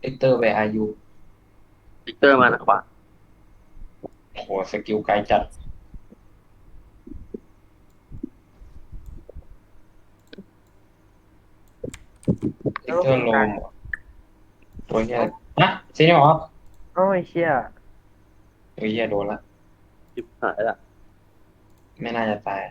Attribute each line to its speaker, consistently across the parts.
Speaker 1: ลิกเตอร์ไปอายุ
Speaker 2: วิกเตอร์มานะขวา
Speaker 1: โอ้โหสกิลไกลจัดลิ
Speaker 3: แล้วก็
Speaker 1: กเตอร์โล
Speaker 3: ฟิกตาย
Speaker 1: มตัวเฮีย
Speaker 3: เอ้า
Speaker 1: นะซีนี่หรอ
Speaker 3: เอ้าไอ้เชี่ย
Speaker 1: ตัวเฮียโดนละ
Speaker 2: จิบหายละ
Speaker 1: ไม่น่าจะตาย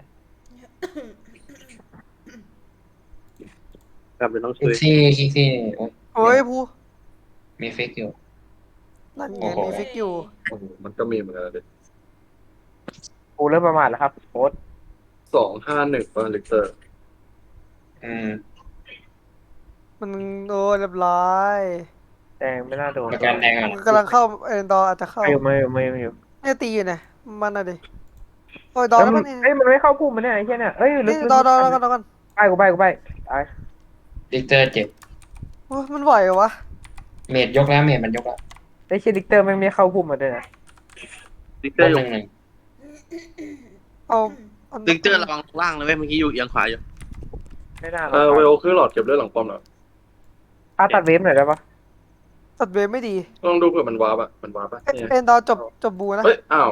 Speaker 2: กลับไปต้องช่วย
Speaker 1: คิกซี่คิกซี่โอ้ย
Speaker 4: โอ้
Speaker 1: เดี๋ยว
Speaker 4: ยภู
Speaker 1: มีฟิกอยู่
Speaker 4: นั่นไง
Speaker 1: โอ้โห
Speaker 4: มีฟิกอยู่
Speaker 5: โอ้โหมันก็มีเหมือนกันเลย
Speaker 3: กูเริ่มประมาทแล้วครับโค้ด
Speaker 5: 251ป่ะลิกเตอร์
Speaker 1: อืม
Speaker 4: มันโดนเรียบร้อย
Speaker 3: แดงไม่น่าโดน
Speaker 1: ประกันแดงอ่ะ
Speaker 4: มันกำลังเข้าเอ็นดอร์อาจจะเข้า
Speaker 3: ไม่อยู่
Speaker 4: เนี่ยตีอยู่เนี่ยมันน่ะดิโอ้ยดอ
Speaker 3: แล้ว
Speaker 4: ร์แล้วมันเนี่ย
Speaker 3: มันเอ้ยมันไม่เข้าพุ่มมันเนี่ยไอ้เชี่ยเนี่ยเอ้ยลึ
Speaker 4: นี่
Speaker 3: กลึก
Speaker 4: ดอร์ดอร์
Speaker 3: ลึกไป
Speaker 4: แล้วกัน
Speaker 3: กูไปตาย
Speaker 1: ลิกเตอร์เจ็บ
Speaker 4: โอ้ยมันไหวเหรอวะ
Speaker 1: เมดยกแล้วเมดมันยกแล้ว
Speaker 3: ไอ้เชี่ยดิกเตอร์ไม่เข้าพุ่มมาด้วยนะ
Speaker 2: วิกเต
Speaker 1: บ
Speaker 2: อร์อยู่
Speaker 1: น1-1
Speaker 4: เอาเอา
Speaker 2: วิกเตอร์ระวังล่างเลยเว้ยเมื่อกี้อยู่เอียงขวาอยู่
Speaker 3: ไม่น่าหรอก
Speaker 5: เวลขึ้นหลอดเก็บเลือดหลังป้อมหน่อย
Speaker 3: ตัดเวฟหน่อยได้ปะ
Speaker 4: ตัดเวฟไม่ดี
Speaker 5: ต้องดูเผื่อมันวาร์ปอ่ะมันวาร์ปอ่ะเนี่ย
Speaker 4: เอ็นดอร์จบบูนะ
Speaker 5: เฮ้ยอ้าว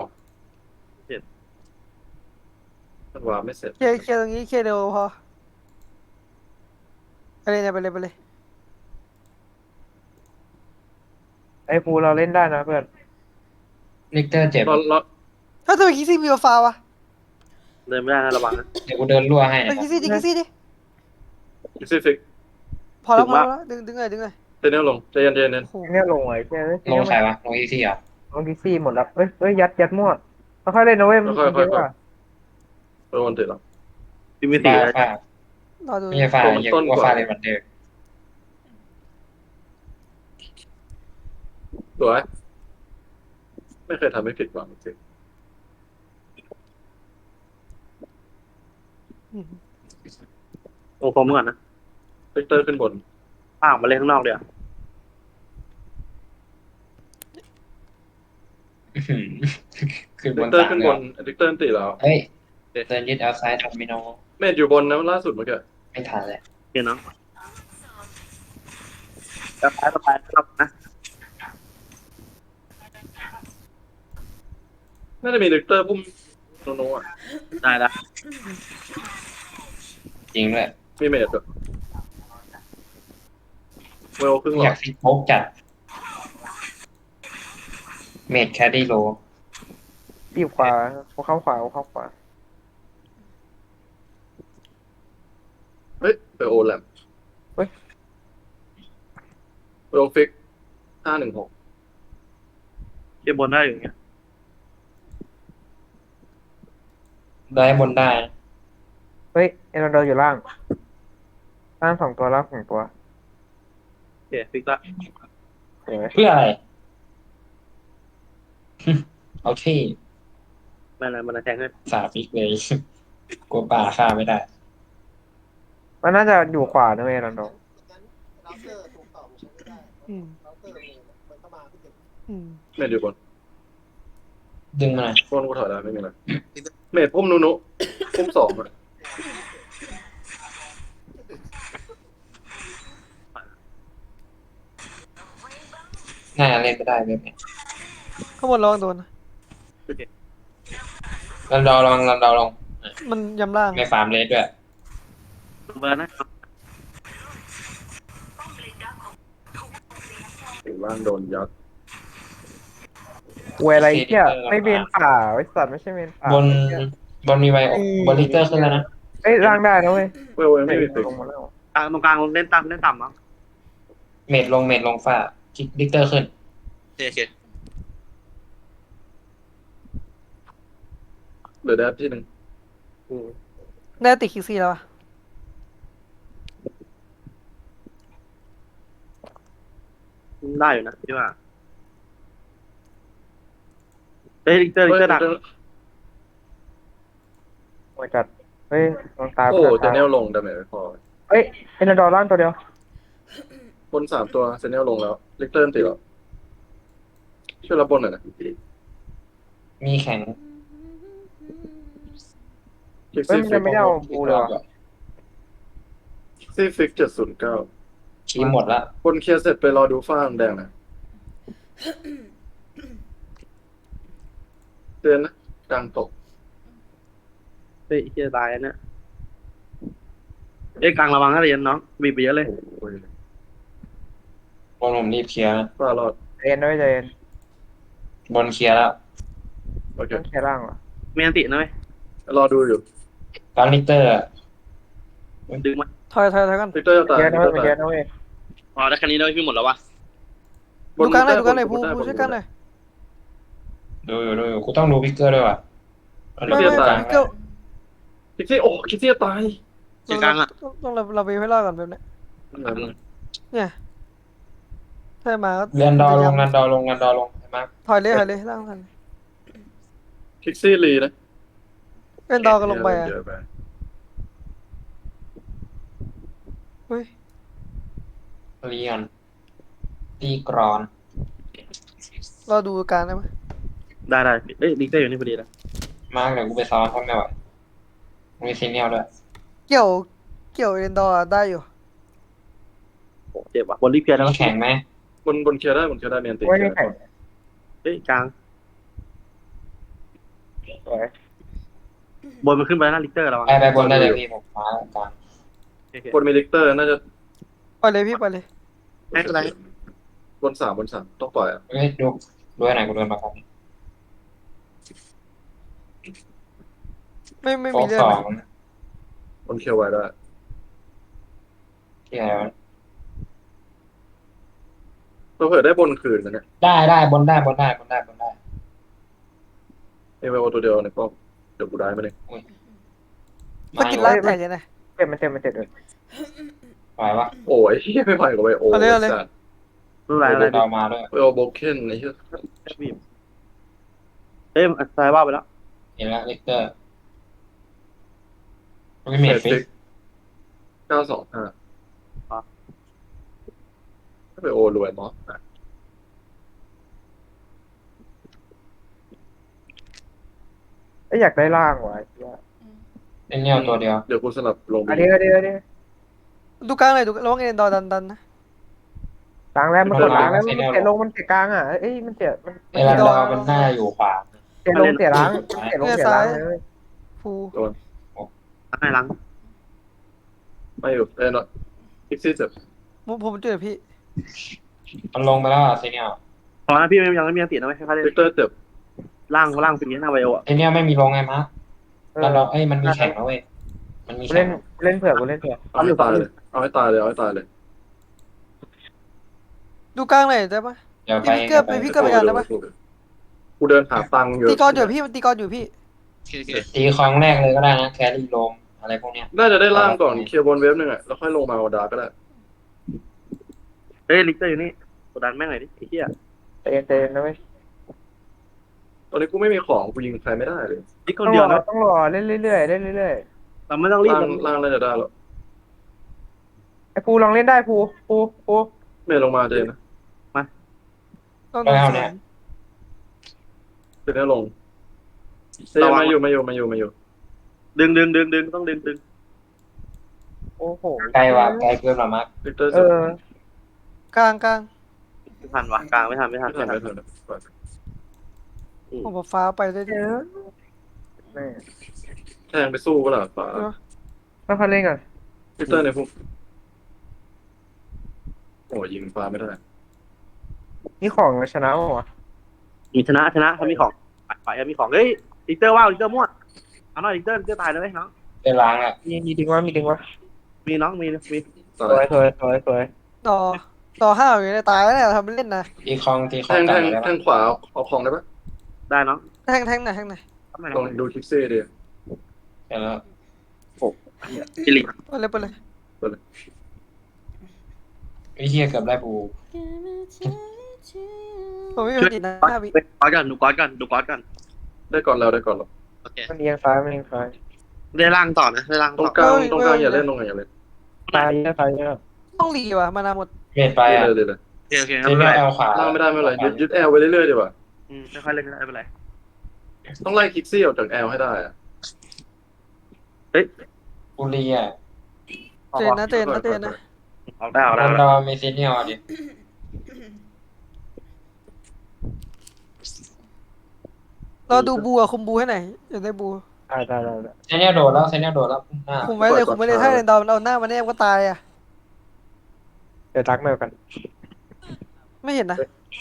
Speaker 5: มันวาร์ปไม่เสร็จ
Speaker 4: เคลียร์ตรงนี้เคลียร์เร็วพอไปเลยเนี่ยไปเลย
Speaker 3: ไอ้ภูเราเล่นได้นะเพื่อน
Speaker 1: ลิกเตอร์เจ็บ
Speaker 5: รอ
Speaker 4: ถ้าทำไมคิซี่มีโอฟาวะ
Speaker 2: เดินไม่ได้นะระวังนะ
Speaker 1: เดี๋ยวกูเดินรั่วให้
Speaker 4: เฮ้ย
Speaker 1: นะครับ
Speaker 4: คิซี่ดิ
Speaker 5: คิกซี่ฟิก
Speaker 4: พอแล้ว
Speaker 2: ถึงว่า
Speaker 4: ดึงเลย
Speaker 5: เจเนลลงใจเย็น
Speaker 4: โอ้โห
Speaker 3: เนี่ยลงไอ้เชี่ย
Speaker 1: ลงใครวะลงอีซี่เหรอ
Speaker 3: ลงดิซี่หมดแล้วเอ้ยยัดมั่วค่อยๆเล่นนะเว้ยมันเยอะอ่ะ
Speaker 5: โดนติดหรอ
Speaker 2: ทีมีสี่
Speaker 1: ฟ้า
Speaker 2: เลย
Speaker 1: ฟ้าร
Speaker 4: รอดู
Speaker 1: ไม่ใช่ฟ้า
Speaker 5: ตัวมัน
Speaker 1: เหี้ย
Speaker 5: ต้น
Speaker 1: กูว่า
Speaker 5: กว่า
Speaker 1: ฟ้าเลยมันเดิม
Speaker 5: สวยไม่เคยทำให้ผิดหวังจริง
Speaker 2: โอ้ผมก่อนนะ
Speaker 5: ลิกเตอร์ขึ้นบน
Speaker 2: ป้าออกมาเล่นข้างนอกเดี๋ยว
Speaker 1: อื้อหือขึ้นบ
Speaker 5: ลิก
Speaker 1: น
Speaker 5: เตอร์
Speaker 1: สามเลยเหรอ
Speaker 5: ลิกเตอร์ตีแล้ว
Speaker 1: เฮ้ยเดินยึดเอาซ้ายทำมิโน
Speaker 5: เมดอยู่บนนะล่าสุดเมื่อกี้
Speaker 1: ไม่ทันเลย
Speaker 2: เดี๋ยวน้องไปครับนะ
Speaker 5: น่าจะมีลิกเตอร์พุ่มโนอ่ะ
Speaker 2: ได้ละ
Speaker 1: จริงด้วย
Speaker 5: มีเมดด้วยเวลครึ่งหล
Speaker 1: อยา
Speaker 5: อด
Speaker 1: กฟิกโป๊กจัดเมดแคดดี้โล
Speaker 3: ปีบขวาเข้าขวา
Speaker 5: เฮ้ยไปโอแลม
Speaker 3: เฮ้ย
Speaker 5: เวลฟิก516
Speaker 2: เก็บบนได้อยู่เงี้ย
Speaker 1: ได้บนได้
Speaker 3: เฮ้ยเอ็นโดอยู่ล่าง2 ตัวล่าง2 ตัว
Speaker 2: โอเคฟิกละ
Speaker 3: เห็นไหม
Speaker 1: เพื่ออะไรเอาที่
Speaker 2: มันแทงให้
Speaker 1: สาฟิกเลยกลัวป่าฆ่าไม่ได้
Speaker 3: มันน่าจะอยู่ขวานะเว้ยเอ็นโด
Speaker 4: อืมอืม
Speaker 5: เมดอยู่บน
Speaker 1: ดึงมาหน่อย
Speaker 5: บนกูถอยได้ไม่มีอะไรเมดพุ่มนุพุ่ม2อ่ะ
Speaker 1: น่าจะเล่นไม่ได้เว็บเนี่ย
Speaker 4: ข้างบนระวังโดนนะ
Speaker 1: ลอง
Speaker 4: มันยำล่าง
Speaker 1: ไม่ฟาร์มเลสด้วย
Speaker 2: เบอร์นะ
Speaker 5: ถึงล่างโดนยัด
Speaker 3: เวยอะไรเชี่ยไม่เมนป่าไอ้สัตว์ไม่ใช่เมนป่า
Speaker 1: บนบนมีไวโอบนลิเตอร์ขึ้นแล้วนะ
Speaker 3: เอ้ยล่างได้นะเว้ย
Speaker 5: เวลยังไม่มีฟิก
Speaker 3: ลงมาแล้ว
Speaker 2: ตรงกลางเล่นต่ำมั้ง
Speaker 1: เมดลงฟ้าลิเตอร์ขึ้น
Speaker 2: โอเค
Speaker 5: เหลือแดดที่หนึ่ง
Speaker 4: ได้ติดคิซี่แล้วอะ
Speaker 2: ได้อยู่นะพี่ว่าเฮ้ยลิกเตอร์ดัก
Speaker 3: โอ้ยจัดเฮ้ยลองตาย
Speaker 5: โอ้เจเนลลงดาเมจไม่พอ
Speaker 3: เฮ้ยเอ็นโดล่างตัวเดียว
Speaker 5: บน3 ตัวเจเนลลงแล้วลิกเตอร์ตีแล้วช่วยรับบนหน่อยนะ
Speaker 1: มีแข็ง
Speaker 5: คิก
Speaker 3: เฮ้ย
Speaker 5: ซี่ฟิก
Speaker 3: มันไม่ได้เอาบูเลยวะ
Speaker 5: ซี่ฟิก709
Speaker 1: คีมหมดละ
Speaker 5: บนเคลียร์เสร็จไปรอดูฟ้าแดงนะเตือนนะกลางตก
Speaker 2: เฮ้ยเฮียตายอันเนี่ยเอ้ยกลางระวังนะเรียนน้องบีบไปเยอะเลย
Speaker 5: โอ้ย
Speaker 1: บนผมรีบเคลียร์นะ
Speaker 5: ฟ้ารอด
Speaker 3: เย็นด้วยใจเย็น
Speaker 1: บนเคลียร์แล้ว
Speaker 5: โอเค
Speaker 3: ต้องแค่ล่างเหรอ
Speaker 2: มีอันตินะเว้ย
Speaker 5: รอดูอยู่
Speaker 1: กลางลิกเตอร์อะ
Speaker 2: ดึงมา
Speaker 4: ถอยกัน
Speaker 5: ลิกเตอร์จะตาย
Speaker 3: เยอะ
Speaker 5: ลิ
Speaker 3: นะ
Speaker 5: กเตอร์
Speaker 3: เย
Speaker 5: ตาย
Speaker 3: อะนะเว้ย
Speaker 2: อ๋อได้แค่นี้เลยพี่หมดแล้ววะ
Speaker 4: ดูกลางหน่อย
Speaker 5: บ
Speaker 4: ดูกลางหน่อย
Speaker 5: บ
Speaker 4: ผู้
Speaker 5: ได้
Speaker 4: ผู้ช่วยกันหน่อย
Speaker 1: ดูอยู่กูต้องดูพิกเกอร์ด้วยว่ะ
Speaker 4: ไม่ไม่
Speaker 1: กลาง
Speaker 4: พี่เกิล
Speaker 5: คิกซี่โอ้คิกซี่จะตาย
Speaker 2: เสียกลางอ่ะ
Speaker 4: ต้องเราไปให้รอดก่อนแบบเนี้ยเนี่ยถ้ามาก็
Speaker 1: เรียนดอลงเรียนดอลงเรียนดอลงใช่ไหม
Speaker 4: ถอยเลยล่างทัน
Speaker 5: คิกซี่รีนะ
Speaker 4: เล่นดอกันลงไปอ่ะ
Speaker 5: เยอะไป
Speaker 4: เฮ้ย
Speaker 1: เรียนตีกรอน
Speaker 4: เราดูกลางได้ไหม
Speaker 2: ได้เอ้ยลิกเตอร์อยู่นี่พอดีแล้ว
Speaker 1: มากเดี๋ยวกูไปซ้อนเขาไม่ไหวมีซีเนียลด้วย
Speaker 4: เกี่ยวเล่นดอได้อยู่
Speaker 2: โอ้เจ็บว่ะบนรีบเคลียร์แล้ว
Speaker 1: มีแข่งไหม
Speaker 5: บนเคลียร์ได้บนเคลียร์ได้เมียนตี
Speaker 3: ไม่ได้แข่ง
Speaker 2: เฮ้ยกลาง
Speaker 3: สวย
Speaker 2: บนมันขึ้นไปแล้วนะลิกเตอร์ระวัง
Speaker 1: ไปบนได้เลยพี่ผมมากลาง
Speaker 5: บนมีลิกเตอร์น่าจะ
Speaker 4: ไปเลยพี่ไปเลย
Speaker 2: ไม่เป็นไร
Speaker 5: บนสามต้องปล่อยอ่ะ
Speaker 1: เฮ้ยดูไหนกูเดินมาครับ
Speaker 4: ไม่
Speaker 1: โฟ
Speaker 4: มี
Speaker 1: ก
Speaker 4: เรื่อ
Speaker 1: ส
Speaker 4: ง
Speaker 1: อง
Speaker 5: บนเคลียร์ไว้ได้
Speaker 1: ที่ไหนวะ
Speaker 5: เราเผื่อได้บนคืนนะเนี่ย
Speaker 1: ได้บนได้
Speaker 5: เอเวลตัวเดียวในป้อมเดี๋ยวกูได้มาเลย
Speaker 4: สกินล่างแตกเลยนะ
Speaker 3: เจ็บมันเจ็บเลย
Speaker 1: ไหวปะ
Speaker 5: โอ้ยเฮียไม่ไหวกับไอโอ
Speaker 4: เอาเลย
Speaker 5: สัตว์
Speaker 2: รู้ไรอะไร
Speaker 1: ดาวมาด้วย
Speaker 5: ไอโอโบเคนไอ้เหี้ย
Speaker 2: บีบเอ้ยตายว่าไปแล้ว
Speaker 1: เห็นแล้วลิกเตอร์ไม่เมดฟิก
Speaker 5: 925ไอโอรวยมอสอ่ะ
Speaker 3: อยากได้ล่างว่ะ
Speaker 1: เป็นเนียลตัวเดียว
Speaker 5: เดี๋ยวกูสลับลง
Speaker 3: อันนี้
Speaker 4: ดูกลางเลยดูระวังเล่นดอดันนะ
Speaker 3: กลางแล้วมันกดล้างแล้วมันเสียลงมันเสียกลางอ่ะเอ้ยมันเสียมัน
Speaker 1: เอรันดอร์เป็นหน้าอยู่ขวา
Speaker 3: เสียลงเสียล้างเสียลงเสียล้างเลย
Speaker 4: ผู้
Speaker 2: ให้หลัง
Speaker 5: ไม่อยู่เอ้ยเนาะพิกซี่เจ็บ
Speaker 4: ผมช่วยพี่
Speaker 1: มันลงไปแล้วซีเนียล
Speaker 2: พอนะพี่ยังไม่มีอันตินะไม่ใช่ค่าเล่น
Speaker 5: ลิกเตอร์เจ็บ
Speaker 2: ล่างปีนี้หน้าไวโออ่ะ
Speaker 1: ซีเนียลไม่มีลงไงมะรันดอร์มันมีแข่งนะเว้ยมันมี
Speaker 3: เล่
Speaker 1: แข่
Speaker 3: น
Speaker 1: ง
Speaker 3: เล่นเผื่อกูเล่นเผื่อ
Speaker 5: เอาให้ตายเลยเอาให้ตายเลย
Speaker 4: ดูกลางเลยได้ปะ
Speaker 1: เดี๋ยวไป
Speaker 4: พี่เกิดไปกันได้ปะ
Speaker 5: กูเดินหาตังค์อยู่
Speaker 4: ตีกอนอยู่พี่ตีกอนอยู่พี่
Speaker 1: ตีคลองแรกเลยก็ได้นะแครี่ลมอะไรพวกเนี้ย
Speaker 5: น่าจะได้ล่างก่อนเคลียร์บนเวฟหนึ่งอ่ะแล้วค่อยลงมาเอาดาร์กก็ได้
Speaker 2: เฮ้ยลิกเตอร์อยู่นี่กดดันแม่งหน่อยดิไอ้เหี้ย
Speaker 3: เจนนะเว้ย
Speaker 5: ตอนนี้กูไม่มีของกูยิงใครไม่ได้เลย
Speaker 2: ลิกคนเดียวนะ
Speaker 3: ต้องรอเล่นเรื่อยเล่นเรื่อย
Speaker 2: เราไม่ต้องรีบ
Speaker 5: ล่างน่าจะได้หรอก
Speaker 3: ไอ้ภูลองเล่นได้ภู
Speaker 5: เมย์ลงมาเจนนะ
Speaker 4: ต้อง
Speaker 1: แล้วเนี่ย
Speaker 5: เจนลงเจนมาอยู่
Speaker 2: ดึงต้องดึง
Speaker 3: โอ้โห
Speaker 1: ไกลว่ะไกลเกินหรอมะ
Speaker 5: ลิกเตอร์
Speaker 3: เอ
Speaker 5: เจ็บ
Speaker 3: อก
Speaker 4: ลาง
Speaker 2: ไม่ทันวะกลางไม่ทัน
Speaker 5: ไม่ทัน
Speaker 4: ผมฟ้าไปได้
Speaker 3: เยอะแม่
Speaker 5: แทงไปสู้ก็ล่ะฝา
Speaker 3: ต้องพันเล่นก่อน
Speaker 5: ลิกเตอร์ในพวกโอ้ยิงฟ้าไม่ได้
Speaker 3: นี่ของชนะวะ
Speaker 2: มีชนะเขามีของไปมีของเฮ้ยลิกเตอร์ว่าวลิกเตอร์มั่วเอาหน่อยลิกเตอร์ตายเลยน้อง
Speaker 1: เป็นล้างอ่ะ
Speaker 3: มีดึงวะ
Speaker 2: มีน้องมี
Speaker 5: ตา
Speaker 3: สวย
Speaker 4: ต่อห้าอยู่ในตายแล้วเนี่ยทำเล่นนะ
Speaker 1: ตีคลอง
Speaker 5: แท
Speaker 1: กัน
Speaker 5: ง
Speaker 1: เลย
Speaker 5: แทงขวาเอาของได้ปะ
Speaker 2: ได้น้อง
Speaker 4: แทงไหน
Speaker 5: ลองดูคิกซี่ดิ
Speaker 1: เสร็จแล้ว
Speaker 2: จิลิ
Speaker 4: ไปเลย
Speaker 1: วิเชียเกือบได้ปู
Speaker 4: ผมไม่ติดนะพี่
Speaker 2: ดูก๊อตกัน
Speaker 5: ได้ก่อนแล้ว
Speaker 2: โอเค
Speaker 3: มันเอียงซ้าย
Speaker 2: ได้ล่างต่อนะได้ล่าง
Speaker 5: ตร
Speaker 2: ต่อง
Speaker 5: กลางอย่าเล่นตรงไหนอย่าเล่น
Speaker 3: ซ้ายเยอะ
Speaker 4: ต้องรีว่ะมานาหมด
Speaker 1: เมดไปอ่ะ
Speaker 5: เลย
Speaker 2: โอเค
Speaker 1: ซีเนียลแอลขวา
Speaker 5: ล่างไม่ได้ไม่เป็นไรยึดแอลไว้เรื่อยๆดีกว่า
Speaker 2: ไม่ค่อยเล่นไม่เป็นไร
Speaker 5: ต้องไล่คิกซี่ออกจากแอลให้ได้อะ
Speaker 1: ปูรีอ่ะ
Speaker 4: เจนนะ
Speaker 2: พออกได้ออก
Speaker 1: บ
Speaker 2: ได้
Speaker 1: นดอมีซีเนียลดิ
Speaker 4: เราดูบูอะคุมบูให้หน่อยอยากได้บู
Speaker 3: ได้
Speaker 1: ซีเนียลโดดแล้วซีเนียลโดดแล้วหน้า
Speaker 4: คุมไว้เลยคุมไว้เลยถ้าเรนดอมเอาหน้ามาแนบก็ตายอะ
Speaker 3: เดี๋ยวทักแมวกัน
Speaker 4: ไม่เห็นนะ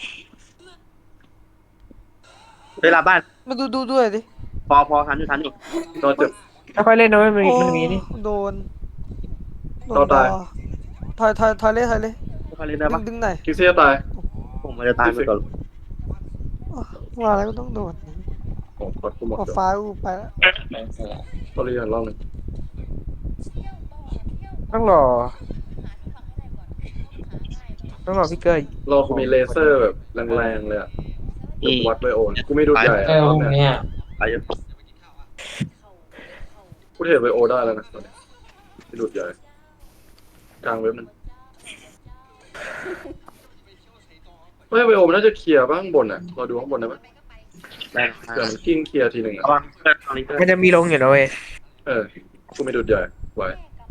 Speaker 2: เวลาบ้าน
Speaker 4: มาดูด้วยดิ
Speaker 2: พอทันอยู่โดนเจ็บ
Speaker 3: ไม่ค่อยเล่นนะมัน
Speaker 4: โอ้
Speaker 3: มีนี่
Speaker 4: โดน
Speaker 5: เราตาย
Speaker 4: ถอยเลย
Speaker 2: ไม่ค่อยเล่นได้ปะ
Speaker 4: ดึงหน่อย
Speaker 5: คิกซี่จะตาย
Speaker 2: ผมมันจะตายไปก่อน
Speaker 4: ว่าแล้วก็ต้องโดน
Speaker 5: โอ้กดกูหมด
Speaker 4: ออก
Speaker 5: เลย
Speaker 4: ฟ้ากูไปแล้ว
Speaker 1: แรงเสือ
Speaker 5: ตอรี่หันรอบหนึ่ง
Speaker 3: ต้องรอพี่เกอร์
Speaker 5: รอกูมีเลเซอร์แบบแรงๆเลยอ่ะเดี๋ยวกูวัดไบโอนกูไม่ดูใหญ่
Speaker 1: เจอ
Speaker 5: ร
Speaker 1: พ
Speaker 5: อบ
Speaker 1: วก
Speaker 5: เนี้ย
Speaker 1: เนี้ย
Speaker 2: ไปเยอะ
Speaker 5: กูเทรดไบโอได้แล้วนะตอนนี้ไม่ดูใหญ่กลางเว็บมันไม่ไบโอมันน่าจะเคลียร์บ้างบนอ่ะเราดูข้างบนได้ไหม
Speaker 2: แรง
Speaker 5: เดี๋ยวมันกิ้งเคลียร์ทีหนึ่ง
Speaker 2: ระ
Speaker 5: อ่ะ
Speaker 2: วังเพื่อนตอนนี้เพื่อน
Speaker 3: มันจะมีลงอยู่นะเว้ย
Speaker 5: กูไม่ดูใหญ่ไหว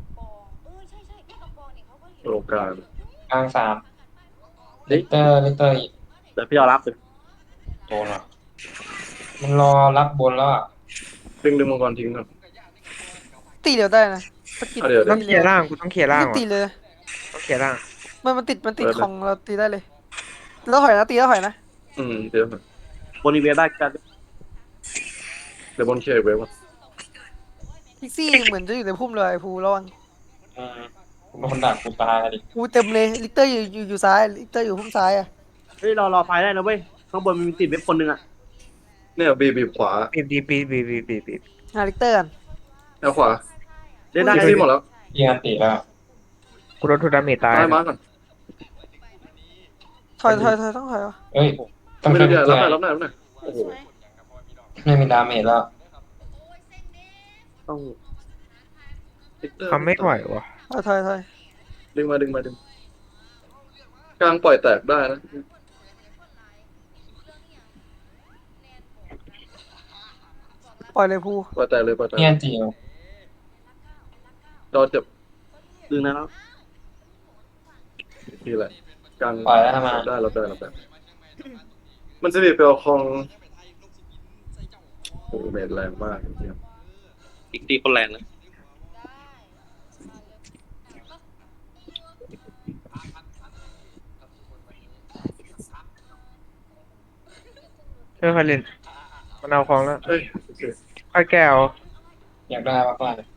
Speaker 5: โลกลาง
Speaker 1: กลาง3ลิกเตอร์อีก
Speaker 2: เดี๋ยวพี่รอรับเลย
Speaker 1: โดนอ่ะมันรอรับบนแล้วอ่ะ
Speaker 5: ดึงมังกรทิ้งก่อน
Speaker 4: ตีเดียวได้นะสกิล
Speaker 5: เดี๋ยว
Speaker 3: ต้องเคลียร์ล่างกูต้องเคลียร์ล่าง
Speaker 4: ตี
Speaker 3: ว่ะ
Speaker 4: เลย
Speaker 3: ต้องเคลียร์ล่าง
Speaker 4: มันติดของเราตีได้เลยแล้วถอยนะตีแล้วถอยนะ
Speaker 5: เดี๋ยว
Speaker 2: บนอีเวนต์ได้กัน
Speaker 5: เดี๋ยวบนเคลียร์เว็บก่อน
Speaker 4: พิกซี่เหมือนจะอยู่ในพุ่มเลยภูระวัง
Speaker 1: โดนดักกูตายดิ
Speaker 4: ภูเต็มเลยลิกเตอร์อยู่ซ้ายลิกเตอร์อยู่พุ่มซ้ายอะ
Speaker 2: เฮ้ยรอไฟได้นะเว้ยข้างบนมันมีติดเว็บคนหนึ่งอ่ะ
Speaker 5: เนี่ยบีบขวา
Speaker 3: บีบ
Speaker 4: หาลิกเตอร์กัน
Speaker 5: แนวขวา
Speaker 2: เล่นได้
Speaker 5: คิกซี่หมดแล้ว
Speaker 1: เอียนติแล้ว
Speaker 3: กูโดนทูดาเมจตาย
Speaker 5: ตายมาก่อน
Speaker 4: ถอยต้องถอยวะ
Speaker 1: เอ้ยต้อง
Speaker 5: ไม่
Speaker 1: ช่ว
Speaker 5: ดู
Speaker 1: ย
Speaker 5: ใหญ่
Speaker 1: เพื่
Speaker 5: รั
Speaker 1: อบ น
Speaker 5: หน่อยรับหน่อยโอ้โห
Speaker 1: ไม่มีดาเมจแล้ว
Speaker 2: ต้อง
Speaker 3: ทำไม่ไหวว่ะ
Speaker 4: ถอย
Speaker 5: ดึงมากลางปล่อยแตกได้นะ
Speaker 4: ปล่อยเลยภู
Speaker 5: ปล่อยแตกเลยปล่อยแตก
Speaker 1: เอียนติว
Speaker 5: ดอเจ็บ
Speaker 2: ดึงนะแล้ว
Speaker 5: ทีแหละกลาง
Speaker 1: ปล่อยแล้วทำไม
Speaker 5: ได้มันจะมีเปลวคองโอ้โหเมจแรงมากจริง
Speaker 2: อีกตีคนแรงนะ
Speaker 3: ไม่ค่อยเล่นมันเอาของแล้ว
Speaker 5: ๆเอ้ยโอเค
Speaker 3: ค่อยแก้ว
Speaker 1: อยากได้มากๆเลย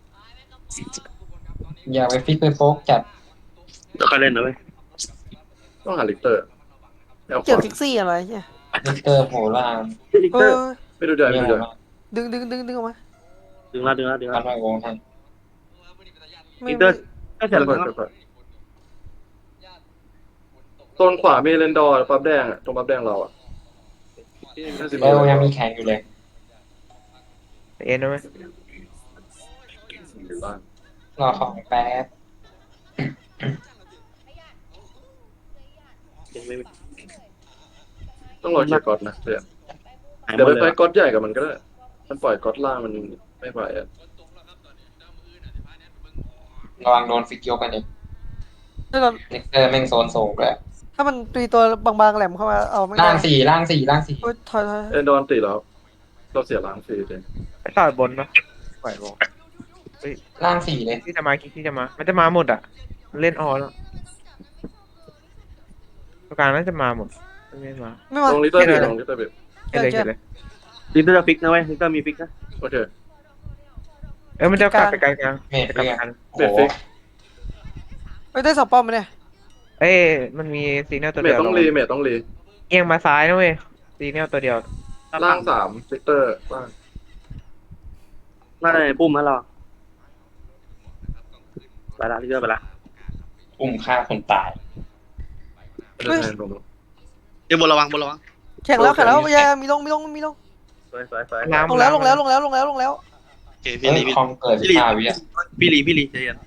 Speaker 1: อยากไปฟิกไปโฟกจัด
Speaker 2: เดี๋ยวค่อยเล่นนะเว้ย
Speaker 5: ต้องหาลิกเตอร์แนวข
Speaker 4: เกี่ยว
Speaker 5: วา
Speaker 4: พิกซี่อะไรเนี่ย
Speaker 1: ลิกเตอร์โผล่ล่าง
Speaker 2: อีก
Speaker 4: เอ
Speaker 2: เตอร์
Speaker 4: อ
Speaker 5: ไม่ดูใหญ่ไม่
Speaker 1: เยี่ย
Speaker 5: ดู
Speaker 1: ม
Speaker 5: ใหญ่
Speaker 1: มาก
Speaker 4: ดึงออกมา
Speaker 2: ดึงละ
Speaker 1: ทำไมวงให้
Speaker 4: ไม่
Speaker 2: อีกเตอร์ก็เสร็จ
Speaker 5: เปิด
Speaker 2: แล้ว
Speaker 5: โซนขวามีเรนดอร์ปั๊บแดงอะตรงปั๊บแดงเราอ่ะน่าจะมี
Speaker 1: แล้วยังมีแข่งอยู่เลย
Speaker 3: เอ็นนะเว้ย
Speaker 5: อยู่บ้าน
Speaker 1: รอของแป๊บ
Speaker 2: ยังไม่
Speaker 5: ต้องรอเคลียร์ก๊อตนะเดี๋ยว
Speaker 2: หายหม
Speaker 5: เดี๋ยว
Speaker 2: ด
Speaker 5: ไป
Speaker 2: เลย
Speaker 5: ไฟ
Speaker 2: ว่ะ
Speaker 5: ก๊อตใหญ่กับมันก็ได้มันปล่อยก๊อตล่างมันไม่ไหวอ่ะ
Speaker 1: ระวังโดนฟิกยกกันอีก
Speaker 4: ถ้าเรา
Speaker 1: ลิกเตอร์แม่งโซนสูงเลย
Speaker 4: ถ้ามันตีตัวบางๆแหลมเข้ามาเอาไม่ได้
Speaker 1: ล่างสี่
Speaker 4: โอ๊ยถอย
Speaker 5: เรนดอร์ตีแล้วเราเสียล้างฟรีเลย
Speaker 3: ไปต่อยบนปะไหวบ่
Speaker 1: ล่างสี่เลย
Speaker 3: ที่จะมามันจะมาหมดอ่ะเล่นออแล้วตัวกลางน่าจะมาหมดไม่มา
Speaker 4: ไม่มา
Speaker 5: ลงลิตเตอร์เบรลงลิตเตอร์เบร
Speaker 3: เห็นเลย
Speaker 2: ลิกเตอร์จะฟิกนะเว้ยลิกเตอร์มีฟิกนะ
Speaker 5: โอเค
Speaker 3: มันจะกลับไปกลาง
Speaker 1: เมด
Speaker 3: จะ
Speaker 1: ไป
Speaker 3: กลับ
Speaker 1: กัน
Speaker 3: กัน
Speaker 5: เบรฟิก
Speaker 4: เอ้ยได้สองป้อมไหมเนี่ย
Speaker 3: เอ้ยมันมีซีเนียลตัว
Speaker 5: เม
Speaker 3: เดี
Speaker 5: ท
Speaker 3: ยว
Speaker 5: ต้องรีเมทต้องรี
Speaker 3: เอียงมาซ้ายนะเว้ยซีเนียลตัวเดียว
Speaker 5: ล่าง3ลิตเตอร์ล่าง
Speaker 2: น่าจะในปุ่มนะเราไปละลิกเตอร์ไปละ
Speaker 1: อุ้มฆ่าคนตาย
Speaker 5: ไม่ได้แทนลง
Speaker 2: เดี๋ยวบนระวัง
Speaker 4: แข่งแล้วอย่ามีลง
Speaker 2: สวย
Speaker 3: ล้าง
Speaker 4: ลงแล้ว
Speaker 2: โอเคพี่
Speaker 1: เฮ้
Speaker 2: ลี
Speaker 1: ยคอมเกิด15 วิอ่ะ
Speaker 2: พี่ลีใจเย็น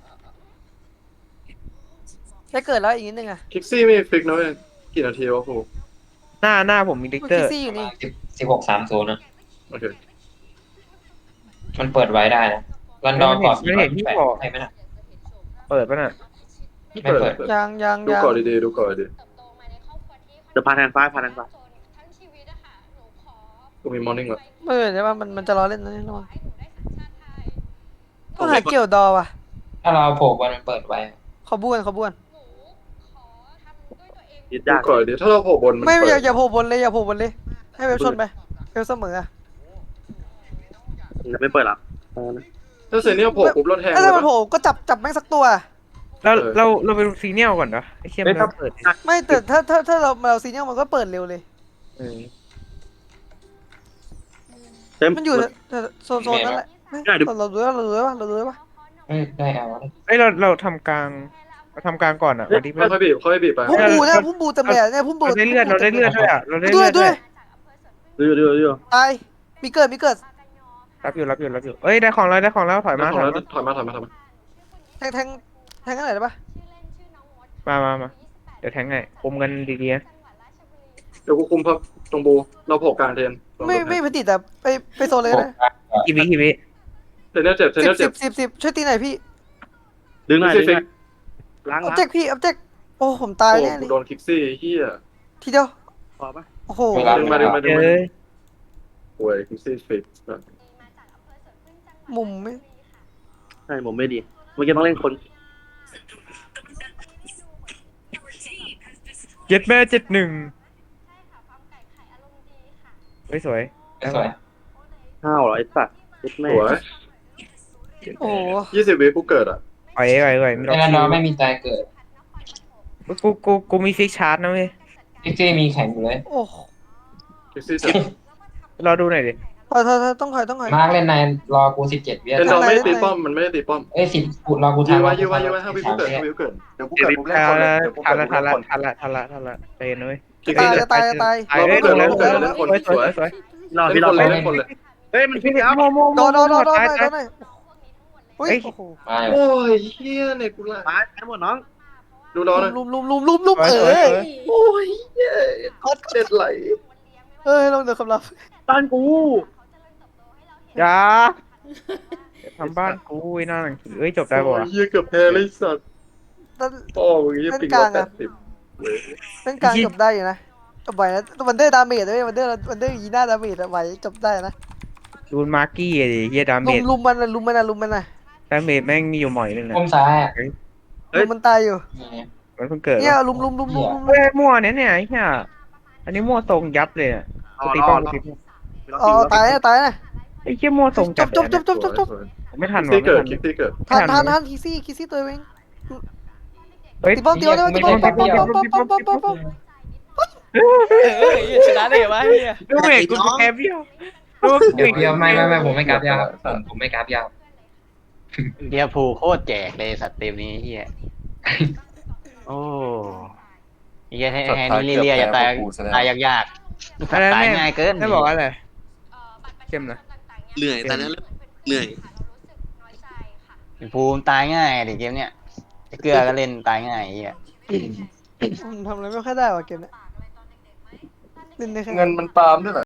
Speaker 4: ได้เกิดแล้วอีกนิดนึงอะ
Speaker 5: คิกซี่ไม่ฟิกนะเว้ยกี่นาทีวะครู
Speaker 3: หน้าผมมีดิกเตอ
Speaker 4: คิก
Speaker 3: ร์
Speaker 4: ซี่อยู่นี่
Speaker 1: 16-30นะ
Speaker 5: โอเค
Speaker 1: มันเปิดไว้ได้นะรันดอร์ก่อน428ให้ไหมนะ
Speaker 3: เปิดป่ะน่ะ
Speaker 1: ไม่เปิด
Speaker 4: ยัง
Speaker 5: ดูก่อนดีๆดูก่อนดี
Speaker 2: เดี๋ยวพาแทนฟ้าพาแทนฟ้า
Speaker 5: กูมีมอร์นิ่งแล้ว
Speaker 4: ไม่เห็นใช่ป่ะมันจะรอเล่นนะนี่ระวังต้องหาเกี่ยวดอว่ะ
Speaker 1: ถ้าเราโผล่บอลมันเปิดไว้
Speaker 4: เขาบ้วน
Speaker 2: ยึด
Speaker 5: ดู
Speaker 2: ยาก
Speaker 5: ก่อนดีถ้าเราโผล่บนมัน
Speaker 4: ไม่
Speaker 5: เปิด
Speaker 4: อย่าโผล่บนเลยอย่าโผล่บนเลยให้เว็บชนไปเว็บเสมออะ
Speaker 2: จะไม่เปิดหรอ
Speaker 5: ถ้าเซเนียลโผล่ปุ๊บเราแทง
Speaker 4: ถ้า
Speaker 5: เลย
Speaker 4: มัน
Speaker 5: ปะ
Speaker 4: โผล่ก็จับแม่งสักตัว
Speaker 3: เราไปดูซีเนียลก่อนเนาะไอ้เชี่ยมันเปิด
Speaker 4: ไม่แต่ถ้าเราซีเนียลมันก็เปิดเร็วเลย
Speaker 3: เออ
Speaker 2: เต็ม
Speaker 4: มันอยู่โซนนั่นแหละเราดูว่า
Speaker 1: เอ้ยได้เอา
Speaker 3: เอ้ยเราทำกลางก่อนอ่ะวันที่
Speaker 5: ค่อยๆบีบค่อยๆบีบไป
Speaker 4: พุ่มบูเนี่ยพุ่มบูเต็มเลยเนี่ยพุ่มบู
Speaker 3: เราได้เลือดด้วยอ่ะเราได้
Speaker 4: ด้
Speaker 3: เลื
Speaker 4: วย
Speaker 3: อด
Speaker 4: ด้วย
Speaker 2: ดู
Speaker 4: ตายมีเกิด
Speaker 3: รับอยู่เอ้ยได้ของแล้วถอยมา
Speaker 5: ถอยมา
Speaker 4: แทงอะไรได้ปะ
Speaker 3: มาเดี๋ยวแทงไงคุมกันดีๆนะ
Speaker 5: เดี๋ยวกูคุมพับตรงบูเราโผล่กลางเทน
Speaker 4: ไม่พอดีแต่ไปโซนเลยนะ
Speaker 3: กี่วิ
Speaker 5: เซเนียลเจ็บเซเนียลเจ็บ
Speaker 4: 10ช่วยตีหน่อยพี่
Speaker 2: ดึงหน่อยล้าง
Speaker 4: อัพเจ็กโอ้ผมตาย
Speaker 5: โอ้
Speaker 4: แน่เล
Speaker 5: กู
Speaker 4: ย
Speaker 5: โดนคิกซี่เฮีย
Speaker 4: ทีเดียว
Speaker 2: พอปะ
Speaker 4: โอ้โห
Speaker 5: ดึงมา
Speaker 3: เอ้ย
Speaker 5: โอ้ยคิกซี่ฟิก
Speaker 4: มุมไม่
Speaker 2: ใช่ผมไม่ดีเมื่อกี้ต้องเล่นคน
Speaker 3: 7 แม่71เฮ้ยสวย
Speaker 1: สวย
Speaker 2: ห้าวเหรอไอ้สัตว์ยึดแม่
Speaker 5: สวย
Speaker 4: โอ้โห
Speaker 5: 20 วิกูเกิดอ่ะ
Speaker 3: ไปไม่
Speaker 1: แน่นอนไม่มีตายเกิด
Speaker 3: กูมีฟิกชาร์จนะเว้ย
Speaker 1: พิกซี่มีแข่งอยู่เลย
Speaker 4: โอ้
Speaker 5: คิกซี่เจ็บ
Speaker 3: รอดูหน่อยดิ
Speaker 4: ถอยต้องถอย
Speaker 1: มาร์กเล่นในรอกู17 วิ
Speaker 5: เอ็นดอร์ไม่ได้ตีป้อมมันไม่ได้ตีป้อม
Speaker 1: เอ้ย10กูรอกู
Speaker 5: ยื้
Speaker 1: ทำ
Speaker 5: อไว้ให้วิกูเกิดเดี๋ยวกูเกิดปุ๊บแรกคนเลยเดี๋ยวกู
Speaker 3: ทั
Speaker 5: เกิ
Speaker 3: น
Speaker 5: ด
Speaker 3: ละ
Speaker 5: ปุ๊บแรกคน
Speaker 3: ทันละใจเย็นนะเว้ย
Speaker 5: คิกซี่เจ็บ
Speaker 4: ตาย
Speaker 3: เอ้ยลงแล้วสวย
Speaker 2: รอ
Speaker 5: เล่
Speaker 2: พี่
Speaker 5: น
Speaker 2: ร
Speaker 5: ค
Speaker 2: อน
Speaker 5: เลยเล่นคนเลย
Speaker 2: เฮ้ยมันพี่แล้ว
Speaker 4: โดนหน่อยโอ้โห
Speaker 1: มา
Speaker 5: โอ้ยเฮียเนี่ยกูละ
Speaker 2: ตายทั้งหมดน้อง
Speaker 5: ดูน้องนะ
Speaker 4: ลุม
Speaker 3: สวย
Speaker 5: โอ้ยเฮียเด็ดไหล
Speaker 4: ลงเดือดคำรับ
Speaker 2: บ้านกู
Speaker 3: อย่าทำบ้านกูไอ้นั่นเอ้ยจบได้ป่ะ
Speaker 5: เฮียเกือบแพ้เลยสัตว์พ่อมึงยี่ปิง80
Speaker 4: เล่นกลางจบได้อยู่นะจบไหวนะวันเดอร์ดาเมจด้วยวันเดอร์ยีน่าดาเมจไหวจบได้นะ
Speaker 3: ดูมาร์กี้ดิเฮียดาเมจ
Speaker 4: ลุมมันนะ
Speaker 3: ดาเมจแม่งมีอยู่หม่อยนึงนะ
Speaker 1: ก้มซ้าย
Speaker 4: ลุมมันตายอยู่
Speaker 3: มันเพิ่งเกิด
Speaker 4: เนี่ยลุม
Speaker 3: เฮ้ยมั่วเนี่ยไอ้เหี้ยอันนี้มั่วตรงยับเลยอ่ะตีป้องตี
Speaker 4: อ๋อตายนะ
Speaker 3: ไอ้เหี้ยมั่วตรงจัด
Speaker 4: จบ
Speaker 3: ไม่ทัน
Speaker 5: คิกซี่
Speaker 3: ว่ะ
Speaker 5: เกิดคิกซี่เกิด
Speaker 4: ทันคิซี่ตัวเอง
Speaker 3: เฮ้ย
Speaker 4: ตีบอลตีบอล
Speaker 6: ชนะได้ไหมเฮีย
Speaker 3: ดูเมกกูแอบเบี้ยวดู
Speaker 1: เดี๋ยวไม่ผมไม่กราฟยาวครับผมไม่กราฟยาว
Speaker 6: เดียพูโคตรแจกเลยสัตว์เต็มนี้เฮียโอ้เฮียแทนนี่เรียจะตายยากตายง่ายเกิน
Speaker 3: ไม่บอกอะไรเข้มนะ
Speaker 7: เหนื่อยตอนนั้นเหนื่อย
Speaker 6: ภูมิตายง่ายดิเกมเนี้ยเกลือก็เล่นตายง่ายเฮีย
Speaker 4: ทำอะไรไม่ค่อยได้ว่ะเกมนี้เล่นได้แค่
Speaker 5: เงินมันตามด้วยเหรอ